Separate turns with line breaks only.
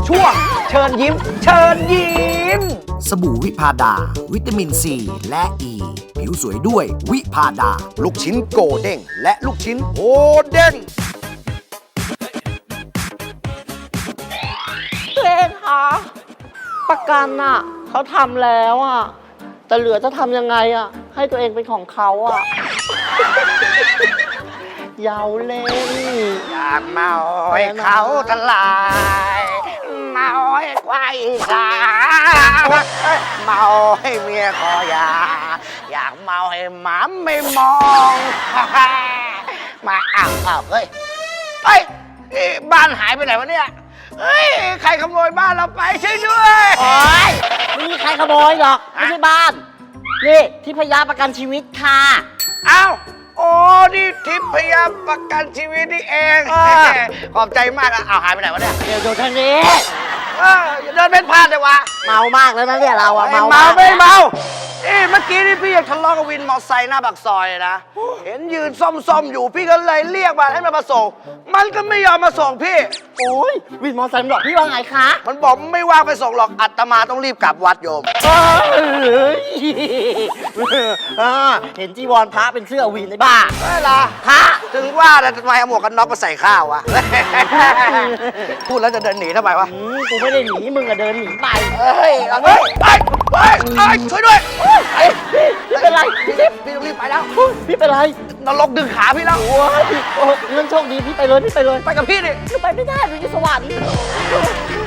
ช่วงเชิญยิ้ม เชิญยิ้ม
สบู่วิพาดา วิตามินซีและอ e. ีผิวสวยด้วยวิพาดา
ลูกชิ้นโกเด้งและลูกชิ้นโฮเด้ง
ตัวเองคะประกันอ่ะเขาทำแล้วอ่ะแต่เหลือจะทำยังไงอ่ะให้ตัวเองเป็นของเขาอ่ะ เยาเล่น
อยากเมาให้เขาทลายเมาให้ควายสาเมาให้เมียคอยาอยากเมาให้หมาไม่มอง มาอ้าวเฮ้ยนี่บ้านหายไปไหนวะเนี่ยเฮ้ยใครขโมยบ้านเราไปช่วยด้วย
โอ๊ยไม่มีใครขโมยหรอกไม่ใช่บ้าน นี่ที่พยาประกันชีวิตค่ะ
อ้าวโอ้นี่ทิพยประกันชีวิตนี่เอง ขอบใจมากอะเอาหายไปไหนวะเนี่ย
เดี๋ยวทางนี้
อย่าเดินเป็นพลาดเลยวะ
เมามากแล้วนะเนี่ยเราอะ
ไม่เมาไม่เมาเมื่อกี้นี่พี่ยังทะเลาะกับวินมอไซค์หน้าปากซอยนะ เห็นยืนซ่อมอยู่พี่ก็เลยเรียกมาให้มันมาส่ง มันก็ไม่ยอมมาส่งพี่
โอ้ยวินมอเตอร์ไซค์มันบอกพี่ว่าไงคะ
มันบอกไม่ว่างไปส่งหรอกอาตมาต้องรีบกลับวัดโยม
เอ้ยเห็นจีวรพระเป็นเสื้อวินไอ้บ้า
เวลาพระถึงว่าแต่ทำไมเอาหมวกกันน็อกมาใส่ข้าววะ พูดแล้วจะเดินหนีทำไมวะ
กูไม่ได้หนีมึงอะเดินหนีไป
เฮ้ยช่วยด้วย
พี่เป็นไรพี่จิ๊บ
พี่ต้องรีบไปแล้ว
พี่เป็นไร
นรกดึงขาพี่แล้ว
โอ้ยเรื่องโชคดีพี่ไปเลย
ไปกับพี่ดิ
ไปไม่ได้ดูที่สวรรค์